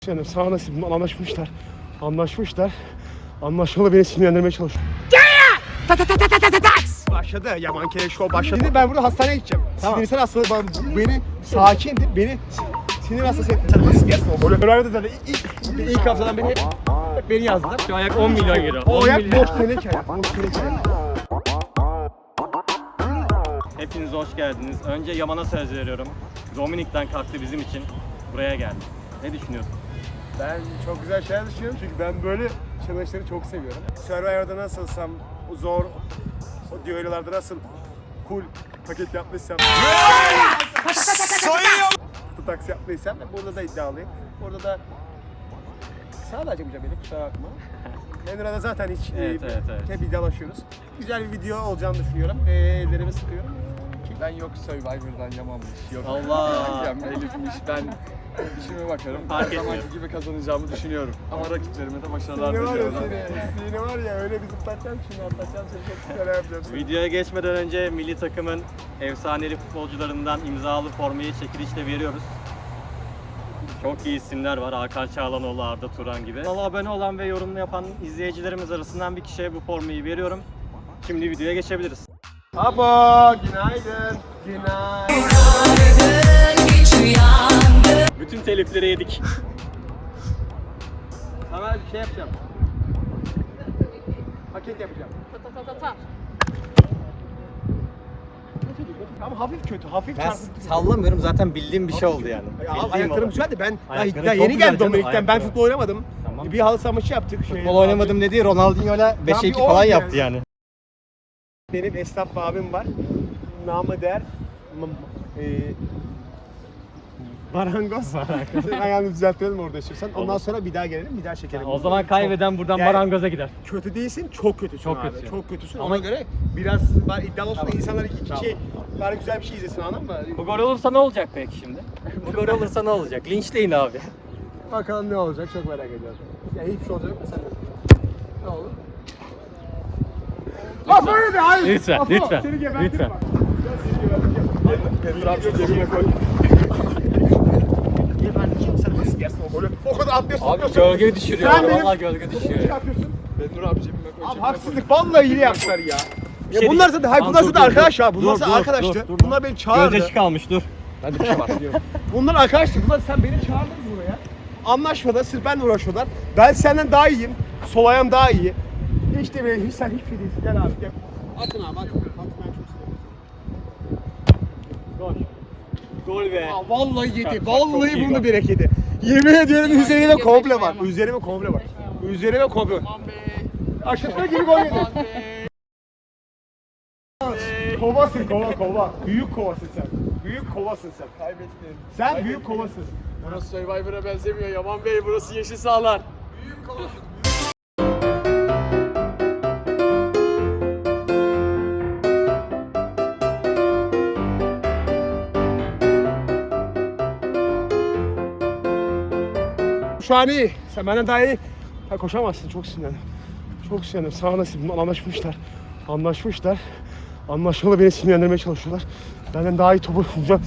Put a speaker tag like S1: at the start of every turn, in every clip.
S1: Yani sağ nasip anlaşmışlar. Anlaşmalı beni sinirlendirmeye çalışıyor. Başladı Yaman Keleş Show başladı. Şimdi ben burada hastaneye gideceğim. Tamam. Sinirsel hastalığı beni sakin, beni sinir hastası etti. Sen nasıl gelsin o golü? Öyle de ilk haftadan beni yazdılar.
S2: Şu ayak 10 milyon euro.
S1: O ayak boş teneke ayak.
S2: Hepiniz hoş geldiniz. Önce Yaman'a söz veriyorum. Dominik'ten kalktı bizim için. Buraya geldi. Ne düşünüyorsun?
S1: Ben çok güzel şeyler düşünüyorum çünkü ben böyle challenge'ları çok seviyorum. Survivor'da nasılsam, zor, o düellolarda nasıl cool paket yapmışsam, kutu taksi yaptıysam burada da iddialıyım. Burada da sadece yapacağım beni, kusura bakma. Menura'da zaten hiç hep iddialaşıyoruz. Güzel bir video olacağını düşünüyorum. Ellerimi sıkıyorum.
S3: Ben yok Survivor'dan Yaman'mış, yok
S2: Allah!
S3: Elif'miş, ben işime bakarım.
S2: Fark
S3: Her zamanki
S2: etmiyor.
S3: gibi kazanacağımı düşünüyorum. Ama rakiplerime de başarılar
S1: Seni var ya
S3: diliyorum.
S1: seni var ya öyle bir zıplatacağım şimdi atlatacağım seni çok güzel yapacağım.
S2: Videoya geçmeden önce milli takımın efsaneli futbolcularından imzalı formayı çekilişle veriyoruz. Çok iyi isimler var. Hakan Çağlanoğlu, Arda Turan gibi. Kanala abone olan ve yorum yapan izleyicilerimiz arasından bir kişiye bu formayı veriyorum. Şimdi videoya geçebiliriz.
S1: Abo, günaydın. Günaydın.
S2: Bütün telifleri yedik.
S1: Sana bir şey yapacağım. Paket yapacağım. Ama hafif kötü, hafif
S2: Ben
S1: çarpıntı.
S2: sallamıyorum, zaten bildiğim bir şey oldu yani.
S1: Ya,
S2: Bildiğim
S1: ayaklarım
S2: olay.
S1: güzeldi. Ben
S2: Ayakları
S1: daha
S2: çok
S1: yeni
S2: güzel
S1: geldim
S2: canım,
S1: Dominik'ten. Ben
S2: ayakları.
S1: futbol oynamadım.
S2: Tamam.
S1: Bir halı saha maçı yaptık.
S2: Futbol oynamadım dediği Ronaldinho'yla 5'e 2 falan yaptı yani.
S1: Benim esnaf abim var. Namı der. Marangoz. Ayağını düzeltelim orada istiyorsan. Ondan sonra bir daha gelelim, bir daha çekelim.
S2: O zaman kaybeden buradan
S1: Yani-
S2: marangoza gider.
S1: Kötü değilsin, çok kötüsün
S2: Çok
S1: abi.
S2: kötüsün.
S1: Çok kötüsün.
S2: Ama-
S1: Ona göre biraz iddialı olsun da insanlar bari güzel bir şey izlesin, anladın mı?
S2: Bu gol olursa ne olacak peki şimdi? Bu gol olursa ne olacak? Linçleyin abi.
S1: Bakalım ne olacak, çok merak ediyorum. Ya hiçbir şey olacak mı sen de? Ne olur? Apo öyle de hayır.
S2: Lütfen,
S1: Apo,
S2: lütfen,
S1: seni gebertirim
S2: lütfen.
S1: bak. Gel seni gebertirim. Petrol abi cebine koy. Gebertirim, sen nasıl yersin o golü? O kadar atlıyorsun.
S2: Abi gölge düşürüyor.
S1: Sen benim-
S2: Vallahi gölge
S1: Ne
S2: düşürüyor.
S1: yapıyorsun?
S3: Benur abi cebime koy.
S1: Abi
S3: cebime
S1: haksızlık, vallahi hile yaptılar ya. Ya
S2: şey
S1: bunlar
S2: diyeceğim.
S1: zaten, hayır bunlar
S2: Tamam,
S1: zaten
S2: dur,
S1: arkadaş
S2: dur,
S1: ya. Bunlar
S2: dur,
S1: zaten
S2: dur,
S1: arkadaştı.
S2: dur.
S1: Bunlar beni çağırdı.
S2: Gözyaşı kalmış, dur.
S1: Ben de bir şey var. Bunlar arkadaştı. Bunlar sen beni çağırdın buraya. Anlaşmada sırf benle uğraşıyorlar. Ben senden daha iyiyim. Sol ayağım daha iyi. Hiç de bile sen hiçbir şey değilsin. Gel abi gel. Atın abi atın. Atın, ben çok seviyorum.
S2: Gol. Gol be.
S1: Aa, vallahi yedi.
S2: Çok
S1: Vallahi
S2: iyi
S1: bunu
S2: gol.
S1: direkt yedi. Yemin ediyorum üzerime komple var. Üzerime komple var. Üzerime komple var. Aşırtma gibi gol yedi. Kovasın kova. Büyük kovasın sen. Büyük kovasın sen.
S3: Kaybettin.
S1: Sen büyük kovasın.
S3: Burası Survivor'a benzemiyor Yaman Bey, burası yeşil sahalar.
S1: Şu an iyi. Sen benden daha iyi. Ha, koşamazsın. Çok sinirlendim. Çok sinirlendim. Sağ nasip anlaşmışlar. Anlaşmalı beni sinirlendirmeye çalışıyorlar. Benden daha iyi topu bulacağım.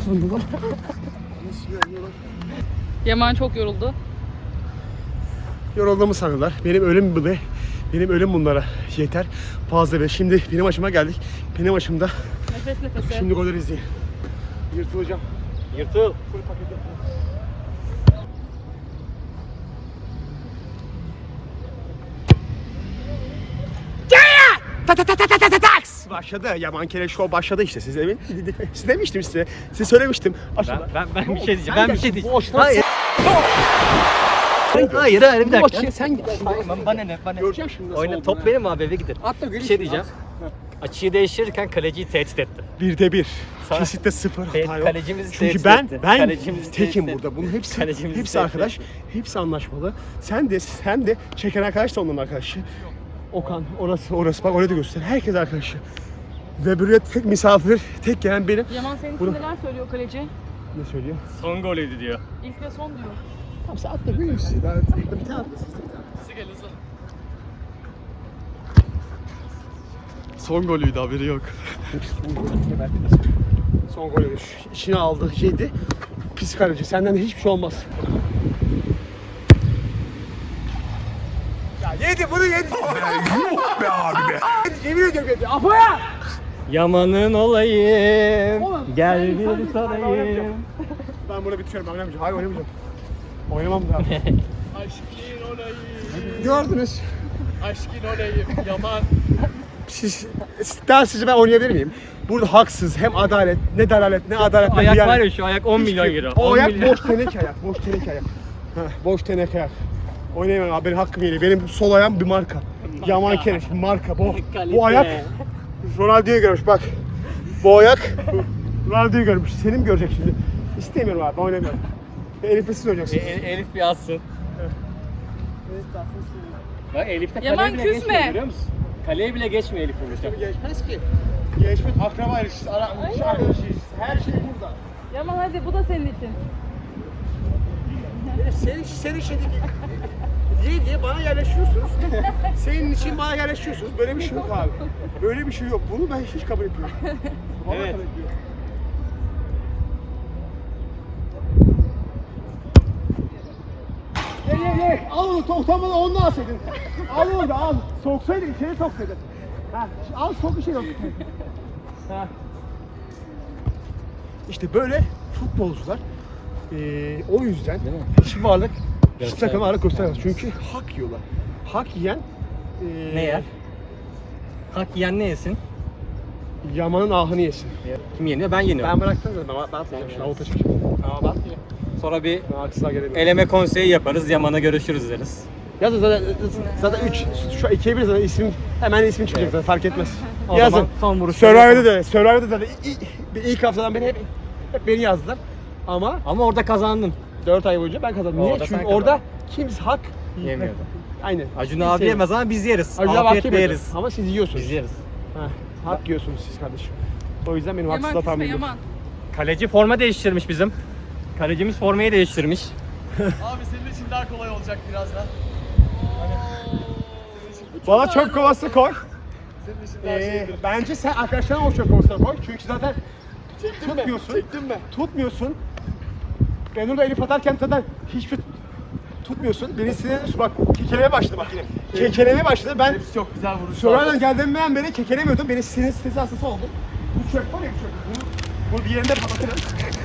S4: Yaman çok yoruldu.
S1: Yorulduğumu sanırlar. Benim ölüm bunlara yeter. Fazla be. Şimdi benim aşıma geldik. Benim aşımda.
S4: Nefes nefese.
S1: Şimdi golleri izleyin. Yırtılacağım.
S2: Yırtıl.
S1: Full paket yapıyorum. Başladı. Yaman Keleş Show başladı işte. Siz demiştim size. Size söylemiştim. Aşağıda.
S2: Ben bir şey diyeceğim. Ben bir şey diyeceğim.
S1: Bu aşıdan
S2: Hayır. Hayır bir
S1: Bu
S2: dakika.
S1: aşıya sen git.
S2: Bana ne?
S1: Göreceğim şimdi nasıl
S2: Oyna,
S1: olduğunu.
S2: top benim abi, eve gidelim.
S1: Atla
S2: Bir şey diyeceğim. Açıyı değiştirirken kaleciyi tehdit etti.
S1: 1'de 1.
S2: Sana-
S1: Kesinlikle 0 hata yok.
S2: Kalecimizi
S1: Çünkü
S2: tehdit
S1: ben
S2: etti.
S1: ben
S2: Kalecimizi
S1: tekim
S2: tehdit
S1: burada. Bunun hepsi
S2: Kalecimizi
S1: hepsi
S2: tehdit
S1: arkadaş. Hepsi anlaşmalı. Sen de çeken arkadaş da onların arkadaşı. Okan orası bak oraya da göster. Herkes arkadaşı. Ve buraya tek misafir, tek gelen benim.
S4: Yaman senin
S1: Bunu-
S4: için neler söylüyor kaleci?
S1: Ne söylüyor?
S2: Son golüydü diyor.
S4: İlk ve son diyor.
S1: Tamam sen atla görüyor musun? Daha bir tane atla siz de bir tane.
S4: Hızlı gel hızlı.
S3: Son golüydü, haberi yok.
S1: Son golü içine aldı, yedi. Pis kaleci. Senden de hiçbir şey olmaz. Yedi bunu yedi. Yuh be abi be. Yemin ediyorum yedi. Apo'ya.
S2: Yaman'ın olayım.
S1: Oğlum,
S2: Gel
S1: sen-
S2: bir
S1: sen-
S2: sarayım.
S1: Ben bunu bitiriyorum. Ben oynamayacağım. Hayır oynamayacağım. Oynamam da.
S3: Aşkın olayım.
S1: Gördünüz.
S3: Aşkın olayım. Yaman.
S1: Daha sizce ben oynayabilir miyim? Burada haksız hem adalet ne dalalet ne adalet ne
S2: Ayak
S1: hıyanet.
S2: var ya şu ayak 10 milyon euro.
S1: O
S2: 10
S1: ayak
S2: milyon.
S1: boş teneke ayak. Boş teneke ayak. Heh, boş teneke ayak. Oynayamam abi benim hakkım geliyor. Benim sol ayağım bir marka. Yaman Kereş marka bu.
S2: Kalite.
S1: Bu ayak Ronaldo'yu görmüş bak. Bu ayak Ronaldo'yu görmüş. Seni mi görecek şimdi? İstemiyorum abi ben oynamıyorum. Elif'le siz oynayacaksınız.
S2: Elif bir atsın. Bak Elif de kaleye
S4: Yaman
S2: bile
S4: küsme.
S2: geçmiyor görüyor musun? Kaleye bile geçmiyor Elif vururken.
S1: Geçmez ki. Geçmez. Akraba ilişkisi, arkadaş ilişkisi. Her şey burada.
S4: Yaman hadi bu da senin için.
S1: Senin şey diye bana yerleşiyorsunuz. Senin için bana yerleşiyorsunuz. Böyle bir şey yok abi. Böyle bir şey yok. Bunu ben hiç kabul etmiyorum. Vallahi
S2: Evet.
S1: kabul etmiyorum. Ye. Al onu utanmadan onu alsaydın. Al onu da al. Soksaydın içeri soksaydın. Ha, al sok bir şey yok. Ha. İşte böyle futbolcular o yüzden hiç varlık, hiç takım varlık göstermez. Çünkü hak yiyorlar. Hak yiyen
S2: Ne yer? Hak yiyen ne yesin?
S1: Yaman'ın ahını yesin.
S2: Kim yeniyor? Ben yeniyorum.
S1: Ben bıraktım zaten. Ben atacağım şimdi. Avuta çıkacağım.
S2: Tamam bak. Sonra bir
S1: Haksızlığa gelemiyorum.
S2: eleme konseyi yaparız. Yaman'a görüşürüz deriz.
S1: Yazın zaten 3. Şu 2'ye 1 zaten hemen ismin çıkacak zaten fark etmez.
S2: O
S1: Yazın.
S2: zaman son vuruş.
S1: Survivor'da da ilk haftadan beri hep beni yazdılar. Ama
S2: Ama orada kazandın.
S1: 4 ay boyunca ben kazandım. Niye?
S2: Orada sen
S1: Çünkü orada kimse hak
S2: Yemiyordu.
S1: Aynen.
S2: Acun abi yemez ama biz yeriz. Afiyetle yeriz.
S1: Ama siz yiyorsunuz.
S2: Biz yeriz.
S1: Hak yiyorsunuz siz kardeşim. O yüzden benim
S4: Yaman
S1: haksızlığa
S4: küsme
S1: tahminim yok.
S4: Yaman.
S2: Kaleci forma değiştirmiş bizim. Kalecimiz formayı değiştirmiş.
S3: Abi senin için daha kolay olacak birazdan.
S1: Bana çöp kovası koy.
S3: Senin için daha şeydir.
S1: Bence sen arkadaşlarına o çöp kovasına koy. Çünkü zaten tutmuyorsun.
S3: Çektin mi?
S1: Tutmuyorsun. Ben orada Elif atarken zaten hiçbir tutmuyorsun. Beni sinirlenir. Bak kekelemeye başladı bak yine. Kekelemeye başladı. Ben
S3: Hepsi çok güzel vuruşlar.
S1: Survivor'dan geldiğimden beri kekelemiyordum. Beni sinir stresi hastası oldum. Bu çöp var ya bu çöp. Bunu bir yerinde patlatırım.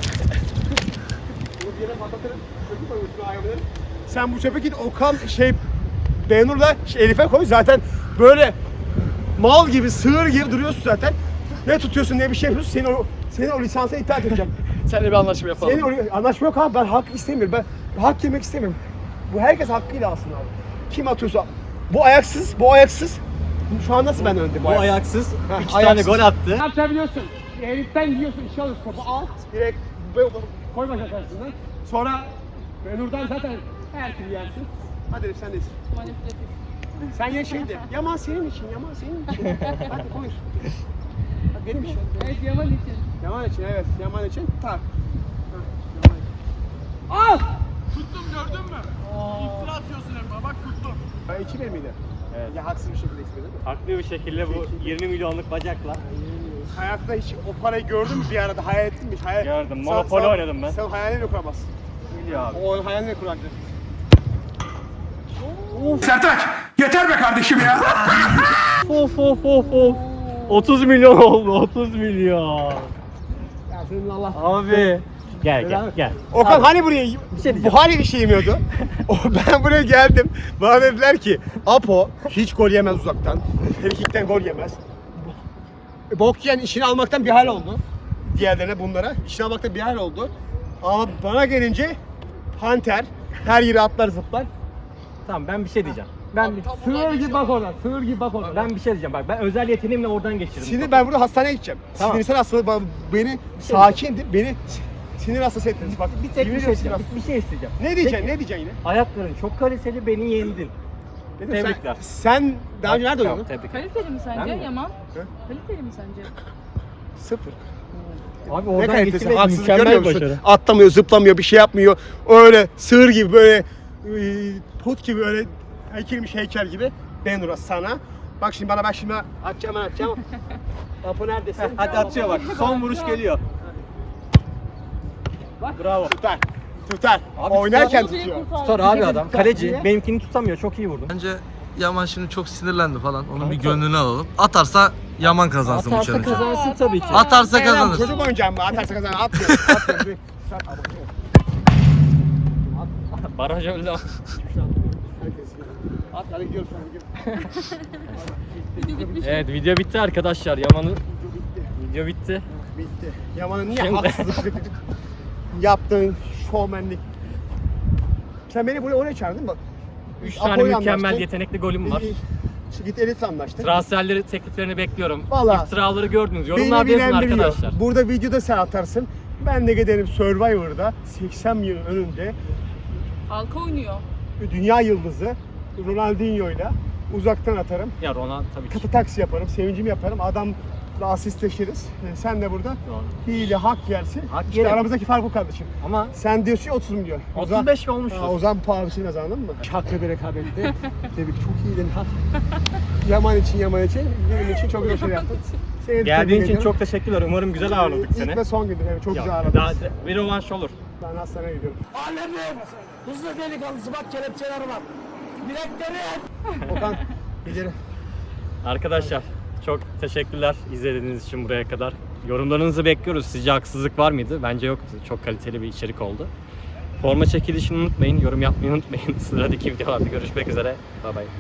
S1: Bunu bir yerine patlatırım. Çöpü koy üstüne ayağımın. Sen bu çöpe git Okan Benur'la Elif'e koy. Zaten böyle mal gibi, sığır gibi duruyorsun zaten. Ne tutuyorsun ne bir şey yapıyorsun. Senin o lisansa itaat edeceğim.
S3: Seninle bir anlaşma yapalım.
S1: Senin anlaşma yok abi. Ben hak istemiyorum. Ben hak yemek istemiyorum. Bu herkes hakkıyla alsın abi. Kim atıyorsa. Bu ayaksız. Şu an nasıl ben önde?
S2: Bu ayaksız.
S1: Ha,
S2: 2 tane
S1: ayaksız.
S2: gol attı.
S1: Ne yapabiliyorsun? Elif'ten yiyorsun, işe alıyorsun topu al. Direkt koy bacak arasına. Sonra Benur'dan zaten her türlü yersin. Hadi Elif sen de yesin.
S4: Manipülatif.
S1: Sen ye şeydi. Yaman senin için, Yaman senin için. Hadi koy. Hadi benim için.
S4: Evet Yaman için.
S1: Yaman için evet, Yaman için. Tak. Al!
S3: Tuttum gördün mü? İftira atıyorsun Emre. Bak tuttum.
S1: Ben 2 miydi?
S2: Evet.
S1: Ya haksız bir şekilde içmedi mi?
S2: Haklı bir şekilde bu 20 milyonluk bacakla.
S1: Hayatta hiç o parayı gördün mü bir arada? Hayal ettin mi? Hiç
S2: Gördüm. Monopoly oynadım ben.
S1: Sen hayalini kuramazsın.
S2: Biliyor abi.
S1: O hayalini kuracaksın.
S5: Sertaç yeter be kardeşim ya.
S2: Of. 30 milyon oldu 30 milyon.
S1: Ya senin Allah.
S2: Abi. Gel.
S1: Okan hani buraya
S2: şey diyeceğim.
S1: bu hani bir şey yemiyordu? Ben buraya geldim. Bana dediler ki Apo hiç gol yemez uzaktan. Frikikten gol yemez. Bok yiyen işini almaktan bir hal oldu. Diğerlerine bunlara işini almaktan bir hal oldu. Ama bana gelince Hunter her yere atlar zıplar.
S2: Tamam ben bir şey diyeceğim. Ben
S1: Sığır gibi bak oradan. Sığır gibi bak oradan.
S2: bir şey diyeceğim. Bak ben özel yeteneğimle oradan geçirdim.
S1: Şimdi ben burada hastaneye gideceğim.
S2: Tamam.
S1: Sinirsel hastalık beni sakindi. Beni sinir hastası ettiniz. Bak
S2: bir tek
S1: yemin
S2: bir şey
S1: ediyorum
S2: isteyeceğim. Bir şey isteyeceğim.
S1: Ne diyeceksin?
S2: Peki,
S1: Ne diyeceksin yine?
S2: ayakların çok kaliteli, beni yendin.
S1: Dedim,
S2: Tebrikler.
S1: Sen daha önce nerede
S2: Tamam,
S1: oynadın?
S2: tebrikler.
S4: Kaliteli mi sence
S2: Ben mi?
S4: Yaman?
S1: He?
S4: Kaliteli mi sence?
S1: 0.
S2: Abi
S1: Ne
S2: oradan
S1: kalitesi?
S2: geçirmek
S1: Haksızlık görmüyor
S2: mükemmel
S1: musun?
S2: başarı.
S1: Atlamıyor, zıplamıyor, bir şey yapmıyor. Öyle sığır gibi böyle put gibi öyle heykelmiş heykel gibi. Ben Uras sana. Bak şimdi bana atacağım. Apo neredesin?
S2: Hadi atıyor bak. Son vuruş geliyor. Bravo.
S1: Tutar.
S2: Abi
S1: Oynarken
S4: tutar.
S1: tutuyor.
S2: Tutar abi adam. Kaleci. Benimkini tutamıyor. Çok iyi vurdun.
S6: Bence Yaman şimdi çok sinirlendi falan. Onun bir gönlünü alalım. Atarsa Yaman kazansın bu
S2: Atarsa
S6: challenge'ı.
S2: kazansın tabii ki.
S6: Atarsa
S1: Tamam,
S6: kazanır.
S1: çocuk oyuncağı mı? Atarsa kazanır. Atmıyorum. Atmıyorum. Sen abone ol.
S2: Baraj öldü.
S1: Herkes at, hadi gidiyoruz.
S2: Evet, video bitti arkadaşlar. Yaman'ın video bitti.
S1: Bitti. Yaman'ın niye
S2: Şimdi-
S1: haksızlık yaptığın şovmenlik. Sen beni buraya oraya çağırdın bak.
S2: 3
S1: Apo'yla
S2: tane mükemmel
S1: anlaştık.
S2: yetenekli golüm var.
S1: Git Elit'le anlaştık.
S2: Transferleri, tekliflerini bekliyorum.
S1: Vallahi.
S2: İftiraları gördünüz.
S1: Beni
S2: Yorumlarda yazın
S1: bilen biliyor.
S2: arkadaşlar.
S1: Burada videoda sen atarsın. Ben de giderim Survivor'da 80 yıl önünde
S4: Halka oynuyor.
S1: dünya yıldızı Ronaldinho'yla uzaktan atarım.
S2: Ya Ronaldo tabii ki.
S1: Katı taksi yaparım, sevincimi yaparım. Adamla asistleşiriz. Sen de burada
S2: Doğru.
S1: hile hak yersin.
S2: Hak
S1: işte
S2: yerim.
S1: aramızdaki fark bu kardeşim.
S2: Ama
S1: Sen diyorsun ya 30 milyon.
S2: 35 mi olmuştur?
S1: O zaman pahalısını kazandın mı? Haklı bir rekabette. Tebrik, çok iyiydin. Yaman için, benim için çok güzel şey yaptın. Seni de
S2: Geldiğin
S1: tebrik
S2: için
S1: ediyorum.
S2: çok teşekkürler. Umarım güzel ağırladık seni.
S1: İlk ve son gündür. Evet, çok
S2: Ya,
S1: güzel
S2: daha
S1: ağırladınız.
S2: bir rövanş olur.
S1: Ben hastaneye gidiyorum.
S5: Hızlı delikanlısı bak kelepçeler var. Bilekleri.
S1: Okan, gidelim.
S2: Arkadaşlar çok teşekkürler izlediğiniz için buraya kadar. Yorumlarınızı bekliyoruz. Sizce haksızlık var mıydı? Bence yoktu. Çok kaliteli bir içerik oldu. Forma çekilişini unutmayın. Yorum yapmayı unutmayın. Sıradaki videolarda görüşmek üzere. Bye bye.